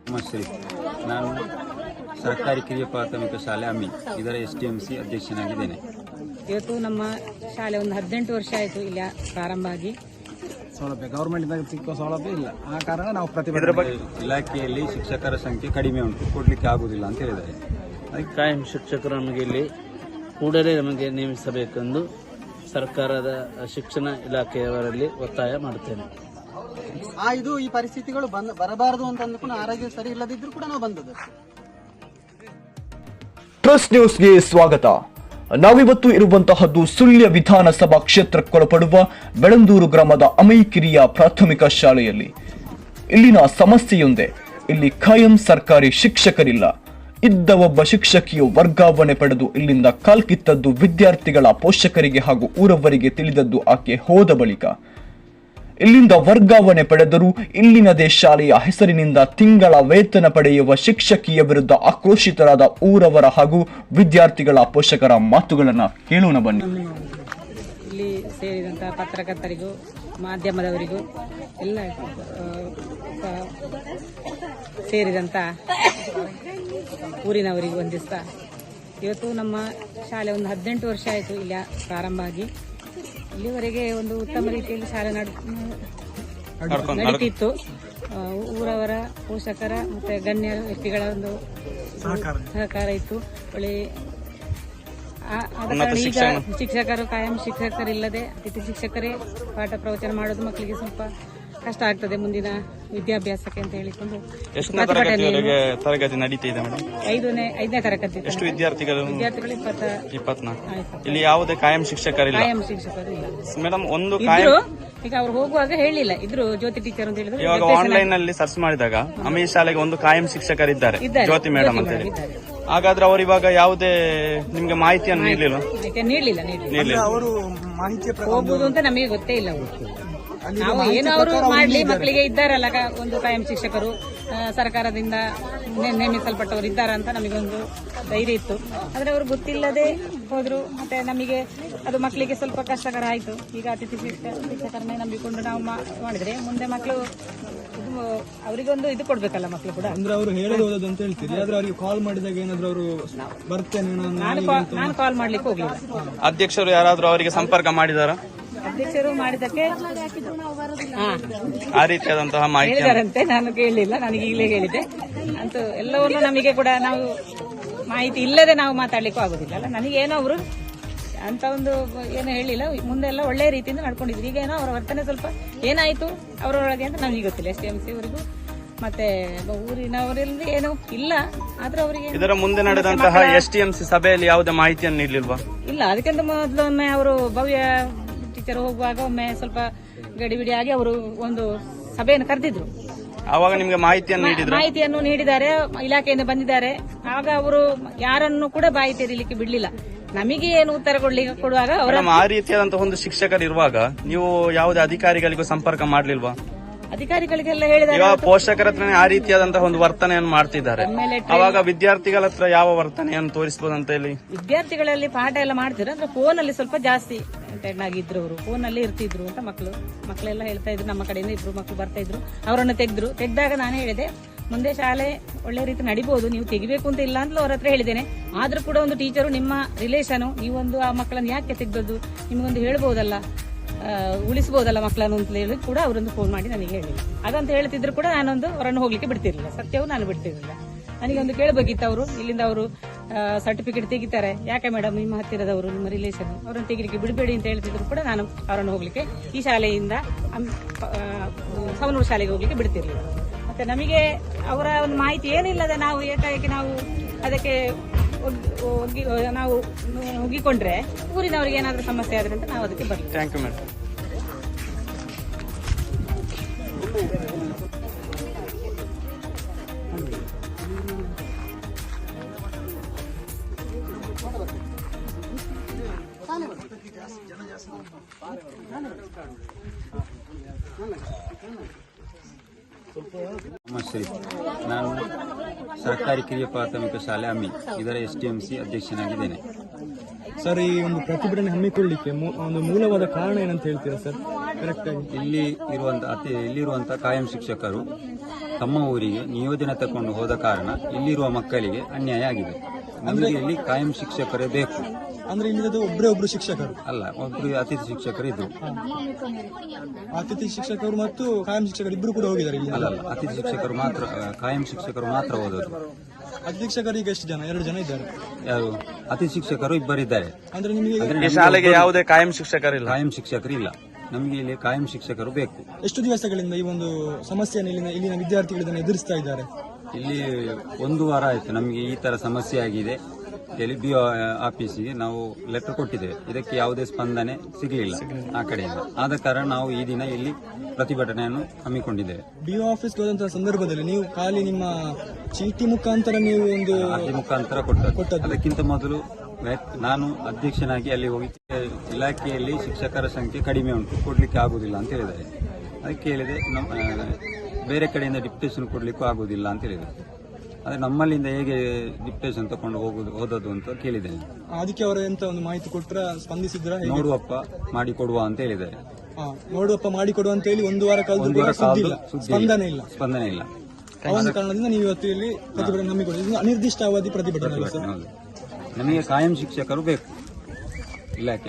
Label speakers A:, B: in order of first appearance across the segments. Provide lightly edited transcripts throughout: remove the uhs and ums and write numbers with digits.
A: ನಮಸ್ತೆ. ನಾನು ಸರ್ಕಾರಿ ಕಿರಿಯ ಪ್ರಾಥಮಿಕ ಶಾಲೆ ಅಮ್ಮಿ ಇದರ STMC ಅಧ್ಯಕ್ಷನಾಗಿದ್ದೇನೆ.
B: ಇವತ್ತು ನಮ್ಮ ಶಾಲೆ ಒಂದು 18 ವರ್ಷ ಆಯಿತು ಇಲ್ಲ ಪ್ರಾರಂಭ ಆಗಿ.
C: ಸೌಲಭ್ಯ ಗವರ್ಮೆಂಟ್ ಸಿಕ್ಕೋ ಸೌಲಭ್ಯ ಇಲ್ಲ, ಆ ಕಾರಣ ನಾವು ಪ್ರತಿಭಟನೆ.
A: ಇಲಾಖೆಯಲ್ಲಿ ಶಿಕ್ಷಕರ ಸಂಖ್ಯೆ ಕಡಿಮೆ ಉಂಟು, ಕೊಡ್ಲಿಕ್ಕೆ ಆಗುವುದಿಲ್ಲ ಅಂತ ಹೇಳಿದ್ದಾರೆ.
D: ಅದಕ್ಕೆ ಕಾಯಂ ಶಿಕ್ಷಕರು ನಮಗೆ ಇಲ್ಲಿ ಕೂಡಲೇ ನಮಗೆ ನೇಮಿಸಬೇಕೆಂದು ಸರ್ಕಾರದ ಶಿಕ್ಷಣ ಇಲಾಖೆಯವರಲ್ಲಿ ಒತ್ತಾಯ ಮಾಡುತ್ತೇನೆ.
C: ಇದು ಈ ಪರಿಸ್ಥಿತಿಗಳು ಬರಬಾರದು ಅಂತ ಅಂದ್ಕೊಂಡು ಆರೋಗ್ಯ ಸರಿ ಇಲ್ಲದಿದ್ರು ಕೂಡ ನಾವು ಬಂದದ್ದು.
E: ಟ್ರಸ್ಟ್ ನ್ಯೂಸ್ಗೆ ಸ್ವಾಗತ. ನಾವಿವತ್ತು ಇರುವಂತಹದ್ದು ಸುಳ್ಯ ವಿಧಾನಸಭಾ ಕ್ಷೇತ್ರಕ್ಕೊಳಪಡುವ ಬೆಳಂದೂರು ಗ್ರಾಮದ ಅಮೈಕಿರಿಯ ಪ್ರಾಥಮಿಕ ಶಾಲೆಯಲ್ಲಿ. ಇಲ್ಲಿನ ಸಮಸ್ಯೆಯೊಂದೇ, ಇಲ್ಲಿ ಖಾಯಂ ಸರ್ಕಾರಿ ಶಿಕ್ಷಕರಿಲ್ಲ. ಇದ್ದ ಒಬ್ಬ ಶಿಕ್ಷಕಿಯು ವರ್ಗಾವಣೆ ಪಡೆದು ಇಲ್ಲಿಂದ ಕಾಲ್ಕಿತ್ತದ್ದು ವಿದ್ಯಾರ್ಥಿಗಳ ಪೋಷಕರಿಗೆ ಹಾಗೂ ಊರವರಿಗೆ ತಿಳಿದದ್ದು ಆಕೆ ಹೋದ ಬಳಿಕ. ಇಲ್ಲಿಂದ ವರ್ಗಾವಣೆ ಪಡೆದರೂ ಇಲ್ಲಿನದೇ ಶಾಲೆಯ ಹೆಸರಿನಿಂದ ತಿಂಗಳ ವೇತನ ಪಡೆಯುವ ಶಿಕ್ಷಕಿಯ ವಿರುದ್ಧ ಆಕ್ರೋಶಿತರಾದ ಊರವರ ಹಾಗೂ ವಿದ್ಯಾರ್ಥಿಗಳ ಪೋಷಕರ ಮಾತುಗಳನ್ನು ಕೇಳೋಣ ಬನ್ನಿ.
B: ಇಲ್ಲಿ ಸೇರಿದಂತಹ ಪತ್ರಕರ್ತರಿಗೂ ಮಾಧ್ಯಮದವರಿಗೂ ಎಲ್ಲ ಸೇರಿದಂತ ಊರಿನವರಿಗೂ ವಂದಿಸ್ತಾ, ಇವತ್ತು ನಮ್ಮ ಶಾಲೆ ಒಂದು 18 ವರ್ಷ ಆಯಿತು ಇಲ್ಲ ಪ್ರಾರಂಭ ಆಗಿ. ಇಲ್ಲಿವರೆಗೆ ಒಂದು ಉತ್ತಮ ರೀತಿಯಲ್ಲಿ ಶಾಲೆ ನಡೀತಿತ್ತು. ಊರವರ ಪೋಷಕರ ಮತ್ತೆ ಗಣ್ಯ ವ್ಯಕ್ತಿಗಳ ಒಂದು ಸಹಕಾರ ಇತ್ತು. ಒಳ್ಳೆ ಆದ ಕಾರಣ ಈಗ ಶಿಕ್ಷಕರು ಕಾಯಂ ಶಿಕ್ಷಕರಿಲ್ಲದೆ ಅತಿಥಿ ಶಿಕ್ಷಕರೇ ಪಾಠ ಪ್ರವಚನ ಮಾಡೋದು ಮಕ್ಕಳಿಗೆ ಸ್ವಲ್ಪ ಕಷ್ಟ ಆಗ್ತದೆ ಮುಂದಿನ ವಿದ್ಯಾಭ್ಯಾಸಕ್ಕೆ ಅಂತ ಹೇಳಿಕೊಂಡು
D: ತರಗತಿ ನಡೀತಿದೆ ಮೇಡಮ್.
B: 5ನೇ ತರಗತಿ.
D: ಎಷ್ಟು ವಿದ್ಯಾರ್ಥಿಗಳು? 24. ಇಲ್ಲಿ ಯಾವುದೇ ಕಾಯಂ ಶಿಕ್ಷಕರಿಲ್ಲ.
B: ಕಾಯಂ ಶಿಕ್ಷಕರು ಇಲ್ಲ
D: ಮೇಡಮ್. ಒಂದು
B: ಈಗ ಅವ್ರು ಹೋಗುವಾಗ ಹೇಳಿಲ್ಲ, ಇದ್ರು ಜ್ಯೋತಿ ಟೀಚರ್ ಅಂತ ಹೇಳಿದ್ರು.
D: ಇವಾಗ ಆನ್ಲೈನ್ ನಲ್ಲಿ ಸರ್ಚ್ ಮಾಡಿದಾಗ ಅಮೀರ್ ಶಾಲೆಗೆ ಒಂದು ಕಾಯಂ ಶಿಕ್ಷಕರಿದ್ದಾರೆ, ಜ್ಯೋತಿ ಮೇಡಮ್ ಅಂತ ಹೇಳಿ. ಹಾಗಾದ್ರೆ ಅವರು ಇವಾಗ ಯಾವುದೇ ನಿಮ್ಗೆ ಮಾಹಿತಿಯನ್ನು ನೀಡಲಿಲ್ಲ.
C: ಅವರು ಮಾಹಿತಿ
B: ಹೋಗುದು ಅಂತ ನಮಗೆ ಗೊತ್ತೇ ಇಲ್ಲ. ನಾವು ಏನು ಅವರು ಮಾಡ್ಲಿ, ಮಕ್ಕಳಿಗೆ ಇದ್ದಾರಲ್ಲ ಒಂದು ಕಾಯಂ ಶಿಕ್ಷಕರು ಸರ್ಕಾರದಿಂದ ನೇಮಿಸಲ್ಪಟ್ಟವರು ಇದ್ದಾರ ಅಂತ ನಮಗೊಂದು ಧೈರ್ಯ ಇತ್ತು. ಆದ್ರೆ ಅವರು ಗೊತ್ತಿಲ್ಲದೆ ಹೋದ್ರು. ಮತ್ತೆ ನಮಗೆ ಅದು ಮಕ್ಕಳಿಗೆ ಸ್ವಲ್ಪ ಕಷ್ಟಕರ ಆಯ್ತು. ಈಗ ಅತಿಥಿ ಶಿಕ್ಷಕರನ್ನೇ ನಂಬಿಕೊಂಡು ನಾವು ಮಾಡಿದ್ರೆ ಮುಂದೆ ಮಕ್ಕಳು ಅವರಿಗೊಂದು ಇದು ಕೊಡ್ಬೇಕಲ್ಲ ಮಕ್ಕಳು ಕೂಡ.
C: ಅಂದ್ರೆ ಅವರು ಹೇಳೋದು ಅಂತ ಹೇಳ್ತೀರಿ, ಆದ್ರೆ ಅವರಿಗೆ ಕಾಲ್ ಮಾಡಿದಾಗ ಏನಾದ್ರು ಅವರು ಬರ್ತೇನೆ
B: ನಾನು ಕಾಲ್ ಮಾಡ್ಲಿಕ್ಕೆ ಹೋಗ್ಲಿಲ್ಲ.
D: ಅಧ್ಯಕ್ಷರು ಯಾರಾದ್ರೂ ಅವರಿಗೆ ಸಂಪರ್ಕ ಮಾಡಿದಾರ?
B: ಅಧ್ಯಕ್ಷರು ಮಾಡಿದಕ್ಕೆ
D: ಆ ರೀತಿಯಾದಂತಹ ಮಾಹಿತಿ
B: ಹೇಳಿದಾರಂತೆ, ನಾನು ಕೇಳಲಿಲ್ಲ. ನನಗೆ ಈಗಲೇ ಹೇಳಿದೆ ಅಂತೂ ಎಲ್ಲವನ್ನೂ ನಮಗೆ ಕೂಡ ನಾವು ಮಾಹಿತಿ ಇಲ್ಲದೆ ನಾವು ಮಾತಾಡ್ಲಿಕ್ಕೂ ಆಗುದಿಲ್ಲ ಅಲ್ಲ. ನನಗೇನೋ ಅವರು ಅಂತ ಒಂದು ಏನು ಹೇಳಿಲ್ಲ. ಮುಂದೆ ಎಲ್ಲ ಒಳ್ಳೆಯ ರೀತಿಯಿಂದ ನಡ್ಕೊಂಡಿದ್ರು. ಈಗ ಏನೋ ಅವರ ವರ್ತನೆ ಸ್ವಲ್ಪ ಏನಾಯ್ತು ಅವರೊಳಗೆ ಅಂತ ನಮಗೆ ಗೊತ್ತಿಲ್ಲ. STMC ಅವರಿಗೂ ಮತ್ತೆ ಊರಿನವರಿಂದ ಏನು ಇಲ್ಲ. ಆದ್ರೆ ಅವರಿಗೆ
D: ಇದರ ಮುಂದೆ ನಡೆದಂತಹ STMC ಸಭೆಯಲ್ಲಿ ಯಾವುದೇ ಮಾಹಿತಿಯನ್ನು ನೀಡಲಿಲ್ವಾ?
B: ಇಲ್ಲ. ಅದಕ್ಕಿಂತ ಮೊದಲೊಮ್ಮೆ ಅವರು ಭವ್ಯ ಟೀಚರ್ ಹೋಗುವಾಗ ಒಮ್ಮೆ ಸ್ವಲ್ಪ ಗಡಿಬಿಡಿ ಆಗಿ ಅವರು ಒಂದು ಸಭೆಯನ್ನು ಕರೆದಿದ್ರು.
D: ಆವಾಗ ನಿಮ್ಗೆ ಮಾಹಿತಿಯನ್ನು
B: ನೀಡಿದ್ದಾರೆ, ಇಲಾಖೆಯಿಂದ ಬಂದಿದ್ದಾರೆ. ಆಗ ಅವರು ಯಾರನ್ನು ಕೂಡ ಬಾಯಿ ತೆರೀಲಿಕ್ಕೆ ಬಿಡ್ಲಿಲ್ಲ. ನಮಗೆ ಏನು ಉತ್ತರ ಕೊಡುವಾಗ
D: ಆ ರೀತಿಯಾದಂತಹ ಒಂದು ಶಿಕ್ಷಕರು ಇರುವಾಗ ನೀವು ಯಾವುದೇ ಅಧಿಕಾರಿಗಳಿಗೂ ಸಂಪರ್ಕ ಮಾಡ್ಲಿಲ್ವಾ?
B: ಅಧಿಕಾರಿಗಳಿಗೆಲ್ಲ ಹೇಳಿದ್ದಾರೆ.
D: ಈಗ ಪೋಷಕರ ಹತ್ರ ಆ ರೀತಿಯಾದಂತಹ ಒಂದು ವರ್ತನೆಯನ್ನು ಮಾಡ್ತಿದ್ದಾರೆ. ಅವಾಗ ವಿದ್ಯಾರ್ಥಿಗಳ ಹತ್ರ ಯಾವ ವರ್ತನೆಯನ್ನು ತೋರಿಸಬಹುದು ಅಂತ ಹೇಳಿ
B: ವಿದ್ಯಾರ್ಥಿಗಳಲ್ಲಿ ಪಾಠ ಎಲ್ಲ ಮಾಡ್ತಿದ್ರು. ಅಂದ್ರೆ ಫೋನ್ ಅಲ್ಲಿ ಸ್ವಲ್ಪ ಜಾಸ್ತಿ ಆಗಿದ್ರು. ಅವರು ಫೋನ್ ಅಲ್ಲಿ ಇರ್ತಿದ್ರು ಅಂತ ಮಕ್ಕಳೆಲ್ಲ ಹೇಳ್ತಾ ಇದ್ರು. ನಮ್ಮ ಕಡೆಯಿಂದ 2 ಮಕ್ಕಳು ಬರ್ತಾ ಇದ್ರು, ಅವರನ್ನು ತೆಗೆದಾಗ ನಾನು ಹೇಳಿದೆ, ಮುಂದೆ ಶಾಲೆ ಒಳ್ಳೆ ರೀತಿ ನಡಿಬಹುದು, ನೀವು ತೆಗಿಬೇಕು ಅಂತ ಇಲ್ಲ ಅಂತ ಅವ್ರ ಹತ್ರ ಹೇಳಿದ್ದೇನೆ. ಆದ್ರೂ ಕೂಡ ಒಂದು ಟೀಚರು ನಿಮ್ಮ ರಿಲೇಷನ್, ನೀವೊಂದು ಆ ಮಕ್ಕಳನ್ನು ಯಾಕೆ ತೆಗೆದದ್ದು, ನಿಮಗೊಂದು ಹೇಳ್ಬೋದಲ್ಲ, ಉಳಿಸಬಹುದಲ್ಲ ಮಕ್ಕಳನ್ನು ಅಂತ ಹೇಳಿ ಕೂಡ ಅವರೊಂದು ಫೋನ್ ಮಾಡಿ ನನಗೆ ಹೇಳಿಲ್ಲ. ಹಾಗಂತ ಹೇಳ್ತಿದ್ರು ಕೂಡ ನಾನೊಂದು ಅವರನ್ನು ಹೋಗ್ಲಿಕ್ಕೆ ಬಿಡ್ತಿರ್ಲಿಲ್ಲ. ಸತ್ಯವೂ ನಾನು ಬಿಡ್ತಿರ್ಲಿಲ್ಲ. ನನಗೆ ಒಂದು ಕೇಳಬೇಕಿತ್ತು. ಅವರು ಇಲ್ಲಿಂದ ಅವರು ಸರ್ಟಿಫಿಕೇಟ್ ತೆಗಿತಾರೆ, ಯಾಕೆ ಮೇಡಮ್ ನಿಮ್ಮ ಹತ್ತಿರದವರು ನಿಮ್ಮ ರಿಲೇಷನ್, ಅವರನ್ನು ತೆಗಿಲಿಕ್ಕೆ ಬಿಡಬೇಡಿ ಅಂತ ಹೇಳ್ತಿದ್ರು ಕೂಡ ನಾನು ಅವರನ್ನು ಹೋಗ್ಲಿಕ್ಕೆ ಈ ಶಾಲೆಯಿಂದ ಸವನೂರು ಶಾಲೆಗೆ ಹೋಗ್ಲಿಕ್ಕೆ ಬಿಡ್ತಿರ್ಲಿಲ್ಲ. ಮತ್ತೆ ನಮಗೆ ಅವರ ಒಂದು ಮಾಹಿತಿ ಏನಿಲ್ಲದೆ ನಾವು ಏಕಾಏಕಿ ನಾವು ಅದಕ್ಕೆ ನಾವು ಹೋಗಿಕೊಂಡ್ರೆ ಊರಿನವರಿಗೆ ಏನಾದ್ರೂ ಸಮಸ್ಯೆ ಆದ್ರೆ ಅಂತ ನಾವು ಅದಕ್ಕೆ ಬರ್ತೀವಿ.
D: Thank you madam.
A: ನಮಸ್ತೆ. ನಾನು ಸರ್ಕಾರಿ ಕಿರಿಯ ಪ್ರಾಥಮಿಕ ಶಾಲೆ ಅಮ್ಮಿ ಇದರ STMC ಅಧ್ಯಕ್ಷನಾಗಿದ್ದೇನೆ.
C: ಸರ್, ಈ ಒಂದು ಪ್ರತಿಭಟನೆ ಹಮ್ಮಿಕೊಳ್ಳಲಿಕ್ಕೆ ಒಂದು ಮೂಲವಾದ ಕಾರಣ ಏನಂತ ಹೇಳ್ತೀರಾ ಸರ್?
A: ಇಲ್ಲಿರುವಂತ ಕಾಯಂ ಶಿಕ್ಷಕರು ತಮ್ಮ ಊರಿಗೆ ನಿಯೋಜನೆ ತಕೊಂಡು ಹೋದ ಕಾರಣ ಇಲ್ಲಿರುವ ಮಕ್ಕಳಿಗೆ ಅನ್ಯಾಯ ಆಗಿದೆ. ನಮಗೆ ಇಲ್ಲಿ ಕಾಯಂ ಶಿಕ್ಷಕರೇ ಬೇಕು.
F: ಅಂದ್ರೆ ಇಲ್ಲಿ ಒಬ್ರು ಶಿಕ್ಷಕರು
A: ಅಲ್ಲ, ಒಬ್ರು ಅತಿಥಿ ಶಿಕ್ಷಕರು ಇದ್ರು.
F: ಅತಿಥಿ ಶಿಕ್ಷಕರು ಮತ್ತು ಕಾಯಂ ಶಿಕ್ಷಕರು ಇಬ್ರು ಕೂಡ ಹೋಗಿದ್ದಾರೆ ಇಲ್ಲಿ.
A: ಅಲ್ಲ, ಅತಿಥಿ ಶಿಕ್ಷಕರು ಮಾತ್ರ, ಕಾಯಂ ಶಿಕ್ಷಕರು ಮಾತ್ರ ಓದೋದು.
F: ಅತಿಥಿ ಶಿಕ್ಷಕರು ಈಗ ಎಷ್ಟು ಜನ? 2 ಜನ ಇದ್ದಾರೆ.
A: ಯಾರು? ಅತಿಥಿ ಶಿಕ್ಷಕರು ಇಬ್ಬರಿದ್ದಾರೆ.
F: ಅಂದ್ರೆ ನಿಮಗೆ
D: ಈ ಶಾಲೆಗೆ ಯಾವುದೇ ಕಾಯಂ ಶಿಕ್ಷಕರಿಲ್ಲ.
A: ಕಾಯಂ ಶಿಕ್ಷಕರು ಇಲ್ಲ. ನಮಗೆ ಇಲ್ಲಿ ಕಾಯಂ ಶಿಕ್ಷಕರು ಬೇಕು.
F: ಎಷ್ಟು ದಿವಸಗಳಿಂದ ಈ ಒಂದು ಸಮಸ್ಯೆಯನ್ನು ಇಲ್ಲಿನ ವಿದ್ಯಾರ್ಥಿಗಳು ಇದನ್ನು ಎದುರಿಸ್ತಾ ಇದ್ದಾರೆ?
A: ಇಲ್ಲಿ 1 ವಾರ ಆಯ್ತು ನಮಗೆ ಈ ತರ ಸಮಸ್ಯೆ ಆಗಿದೆ ಹೇಳಿ BO ಆಫೀಸಿಗೆ ನಾವು ಲೆಟರ್ ಕೊಟ್ಟಿದ್ದೇವೆ. ಇದಕ್ಕೆ ಯಾವುದೇ ಸ್ಪಂದನೆ ಸಿಗಲಿಲ್ಲ ಆ ಕಡೆಯಿಂದ. ಆದ ಕಾರಣ ನಾವು ಈ ದಿನ ಇಲ್ಲಿ ಪ್ರತಿಭಟನೆಯನ್ನು ಹಮ್ಮಿಕೊಂಡಿದ್ದೇವೆ.
F: BO ಆಫೀಸ್ಗೆ ಹೋದಂತಹ ಸಂದರ್ಭದಲ್ಲಿ ನೀವು ಖಾಲಿ ನಿಮ್ಮ ಚೀಟಿ ಮುಖಾಂತರ ನೀವು ಒಂದು
A: ಅರ್ಜಿ ಮುಖಾಂತರ ಕೊಟ್ಟದ್ದು. ಅದಕ್ಕಿಂತ ಮೊದಲು ನಾನು ಅಧ್ಯಕ್ಷನಾಗಿ ಅಲ್ಲಿ ಹೋಗಿ ಇಲಾಖೆಯಲ್ಲಿ ಶಿಕ್ಷಕರ ಸಂಖ್ಯೆ ಕಡಿಮೆ ಉಂಟು, ಕೊಡ್ಲಿಕ್ಕೆ ಆಗುದಿಲ್ಲ ಅಂತ ಹೇಳಿದ್ದಾರೆ. ಅದಕ್ಕೆ ಹೇಳಿದೆ ಬೇರೆ ಕಡೆಯಿಂದ ಡಿಪ್ಟೇಷನ್ ಕೊಡ್ಲಿಕ್ಕೂ ಆಗುದಿಲ್ಲ ಅಂತ ಹೇಳಿದೆ. ಅದೇ ನಮ್ಮಲ್ಲಿಂದ ಹೇಗೆ ಡಿಪ್ಟೇಷನ್ ತಕೊಂಡು ಹೋದದ್ದು ಅಂತ ಕೇಳಿದ್ದೇನೆ.
F: ಅದಕ್ಕೆ ಅವರು ಎಂತ ಒಂದು ಮಾಹಿತಿ ಕೊಟ್ಟರೆ ಸ್ಪಂದಿಸಿದ್ರ?
A: ನೋಡುವಪ್ಪ ಮಾಡಿಕೊಡುವ ಅಂತ ಹೇಳಿದ್ದಾರೆ.
F: ನೋಡುವಪ್ಪ ಮಾಡಿಕೊಡುವ ಅಂತ ಹೇಳಿ 1 ವಾರ ಕಳೆದು ಸ್ಪಂದನೆ ಇಲ್ಲ. ಆ ಒಂದು ಕಾರಣದಿಂದ ನೀವು ಇವತ್ತು ಇಲ್ಲಿ ಪ್ರತಿಭಟನೆ ಹಮ್ಮಿಕೊಂಡಿದ್ದೀರಿ. ಅನಿರ್ದಿಷ್ಟ ಅವಧಿ ಪ್ರತಿಭಟನೆ ಅಲ್ಲ ಸರ್?
A: ನಮಗೆ ಕಾಯಂ ಶಿಕ್ಷಕರು ಬೇಕು ಇಲಾಖೆ.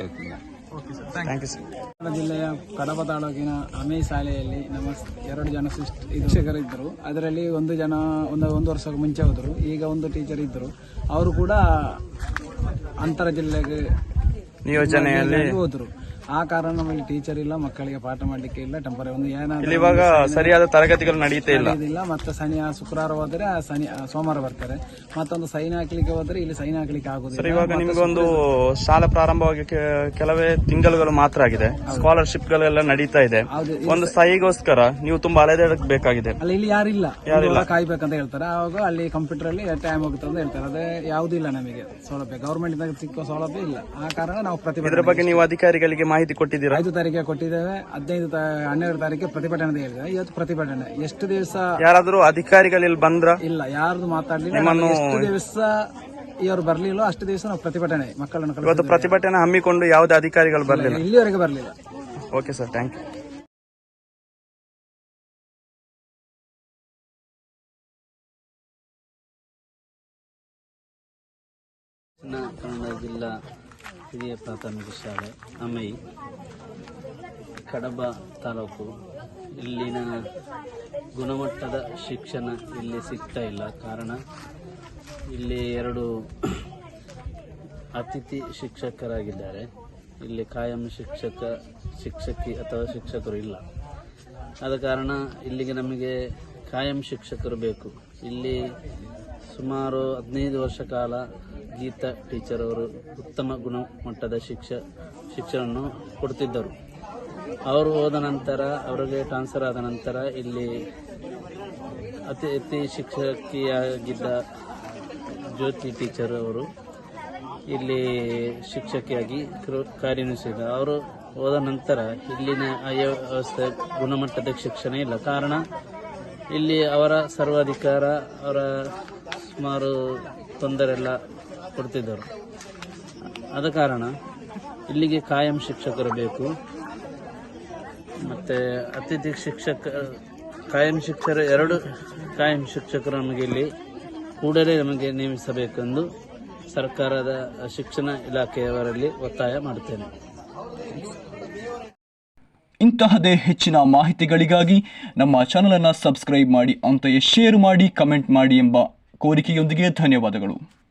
G: ಜಿಲ್ಲೆಯ ಕಡಬ ತಾಲೂಕಿನ ಅಮೇ ಶಾಲೆಯಲ್ಲಿ ನಮ್ಮ 2 ಜನ ಶಿಕ್ಷಕರಿದ್ದರು. ಅದರಲ್ಲಿ 1 ಜನ ಒಂದು ವರ್ಷಕ್ಕೆ ಮುಂಚೆ ಹೋದರು. ಈಗ 1 ಟೀಚರ್ ಇದ್ದರು. ಅವರು ಕೂಡ ಅಂತರ ಜಿಲ್ಲೆಗೆ ನಿಯೋಜನೆಯಲ್ಲಿ ಹೋದರು. ಆ ಕಾರಣ ನಮಗೆ ಟೀಚರ್ ಇಲ್ಲ, ಮಕ್ಕಳಿಗೆ ಪಾಠ ಮಾಡಲಿಕ್ಕೆ ಇಲ್ಲ. ಟೆಂಪರರಿ ಒಂದು ಏನಾದರೂ
D: ಇವಾಗ ಸರಿಯಾದ ತರಗತಿಗಳು ನಡೀತಾ
G: ಇಲ್ಲ. ಮತ್ತೆ ಶುಕ್ರವಾರ ಹೋದರೆ ಸೋಮವಾರ ಬರ್ತಾರೆ. ಮತ್ತೊಂದು ಸೈನ್ ಹಾಕ್ಲಿಕ್ಕೆ ಹೋದ್ರೆ ಇಲ್ಲಿ ಸೈನ್ ಹಾಕ್ಲಿಕ್ಕೆ ಆಗುದಿಲ್ಲ.
D: ಇವಾಗ ನಿಮ್ಗೊಂದು ಶಾಲಾ ಪ್ರಾರಂಭವಾಗಿ ಕೆಲವೇ ತಿಂಗಳುಗಳು ಮಾತ್ರ ಆಗಿದೆ. ಸ್ಕಾಲರ್ಶಿಪ್ ಗಳೆಲ್ಲ ನಡೀತಾ ಇದೆ. ಒಂದು ಸಹಿಗೋಸ್ಕರ ನೀವು ತುಂಬಾ ಅಲೆದಾಡಬೇಕಾಗಿದೆ.
G: ಇಲ್ಲಿ ಯಾರಿಲ್ಲ, ಕಾಯ್ಬೇಕಂತ ಹೇಳ್ತಾರೆ. ಆವಾಗ ಅಲ್ಲಿ ಕಂಪ್ಯೂಟರ್ ಅಲ್ಲಿ ಟೈಮ್ ಹೋಗುತ್ತೆ ಅಂತ ಹೇಳ್ತಾರೆ. ಅದೇ ಯಾವುದೂ ಇಲ್ಲ ನಮಗೆ ಸೌಲಭ್ಯ, ಗವರ್ಮೆಂಟ್ ಸಿಕ್ಕೋ ಸೌಲಭ್ಯ ಇಲ್ಲ. ಆ ಕಾರಣ ನಾವು
D: ಇದ್ರ ಬಗ್ಗೆ ನೀವು ಅಧಿಕಾರಿಗಳಿಗೆ ಮಾಹಿತಿ ಕೊಟ್ಟಿದ್ದೀರಾ?
G: 5 ತಾರೀಕಿಗೆ ಕೊಟ್ಟಿದ್ದೇವೆ. 12 ತಾರೀಕಿಗೆ ಪ್ರತಿಭಟನೆ ಹೇಳಿದ್ದೇವೆ. ಇವತ್ತು ಪ್ರತಿಭಟನೆ. ಎಷ್ಟು ದಿವಸ
D: ಯಾರಾದ್ರೂ ಅಧಿಕಾರಿಗಳು ಬಂದ್ರ?
G: ಇಲ್ಲ, ಯಾರ್ದು ಮಾತಾಡ್ಲಿಲ್ಲ. ಎಷ್ಟು ದಿವಸ ಇವರು ಬರ್ಲಿಲ್ಲ ಅಷ್ಟು ದಿವಸ ನಾವು ಪ್ರತಿಭಟನೆ ಮಕ್ಕಳನ್ನು
D: ಇವತ್ತು ಪ್ರತಿಭಟನೆ ಹಮ್ಮಿಕೊಂಡು ಯಾವುದೇ ಅಧಿಕಾರಿಗಳು ಬರಲಿಲ್ಲ?
G: ಇಲ್ಲಿವರೆಗೆ ಬರಲಿಲ್ಲ.
D: Okay sir, thank you.
H: Kannada ಜಿಲ್ಲಾ ಹಿರಿಯ ಪ್ರಾಥಮಿಕ ಶಾಲೆ ಅಮೈ, ಕಡಬ ತಾಲೂಕು. ಇಲ್ಲಿನ ಗುಣಮಟ್ಟದ ಶಿಕ್ಷಣ ಇಲ್ಲಿ ಸಿಗ್ತಾ ಇಲ್ಲ. ಕಾರಣ ಇಲ್ಲಿ 2 ಅತಿಥಿ ಶಿಕ್ಷಕರಾಗಿದ್ದಾರೆ. ಇಲ್ಲಿ ಕಾಯಂ ಶಿಕ್ಷಕಿ ಅಥವಾ ಶಿಕ್ಷಕರು ಇಲ್ಲ. ಆದ ಕಾರಣ ಇಲ್ಲಿಗೆ ನಮಗೆ ಕಾಯಂ ಶಿಕ್ಷಕರು ಬೇಕು. ಇಲ್ಲಿ ಸುಮಾರು 15 ವರ್ಷ ಕಾಲ ಗೀತಾ ಟೀಚರ್ ಅವರು ಉತ್ತಮ ಗುಣಮಟ್ಟದ ಶಿಕ್ಷಣವನ್ನು ಕೊಡ್ತಿದ್ದರು. ಅವರು ಹೋದ ನಂತರ, ಅವರಿಗೆ ಟ್ರಾನ್ಸ್ಫರ್ ಆದ ನಂತರ ಇಲ್ಲಿ ಅತಿ ಶಿಕ್ಷಕಿಯಾಗಿದ್ದ ಜ್ಯೋತಿ ಟೀಚರ್ ಅವರು ಇಲ್ಲಿ ಶಿಕ್ಷಕಿಯಾಗಿ ಕಾರ್ಯನಿರ್ವಹಿಸಿದ. ಅವರು ಹೋದ ನಂತರ ಇಲ್ಲಿನ ವ್ಯವಸ್ಥೆ ಗುಣಮಟ್ಟದ ಶಿಕ್ಷಣ ಇಲ್ಲ. ಕಾರಣ ಇಲ್ಲಿ ಅವರ ಸರ್ವಾಧಿಕಾರ, ಅವರ ಸುಮಾರು ತೊಂದರೆಲ್ಲ ಕೊಡ್ತಿದ್ದರು. ಆದ ಕಾರಣ ಇಲ್ಲಿಗೆ ಕಾಯಂ ಶಿಕ್ಷಕರು ಬೇಕು. ಮತ್ತು ಅತಿಥಿ ಕಾಯಂ ಶಿಕ್ಷಕರು 2 ಕಾಯಂ ಶಿಕ್ಷಕರು ನಮಗೆ ಇಲ್ಲಿ ಕೂಡಲೇ ನಮಗೆ ನೇಮಿಸಬೇಕೆಂದು ಸರ್ಕಾರದ ಶಿಕ್ಷಣ ಇಲಾಖೆಯವರಲ್ಲಿ ಒತ್ತಾಯ ಮಾಡುತ್ತೇನೆ.
E: ಇಂತಹದೇ ಹೆಚ್ಚಿನ ಮಾಹಿತಿಗಳಿಗಾಗಿ ನಮ್ಮ ಚಾನಲ್ ಅನ್ನು ಸಬ್ಸ್ಕ್ರೈಬ್ ಮಾಡಿ, ಅಂತೆಯೇ ಶೇರ್ ಮಾಡಿ, ಕಮೆಂಟ್ ಮಾಡಿ ಎಂಬ ಕೋರಿಕೆಯೊಂದಿಗೆ ಧನ್ಯವಾದಗಳು.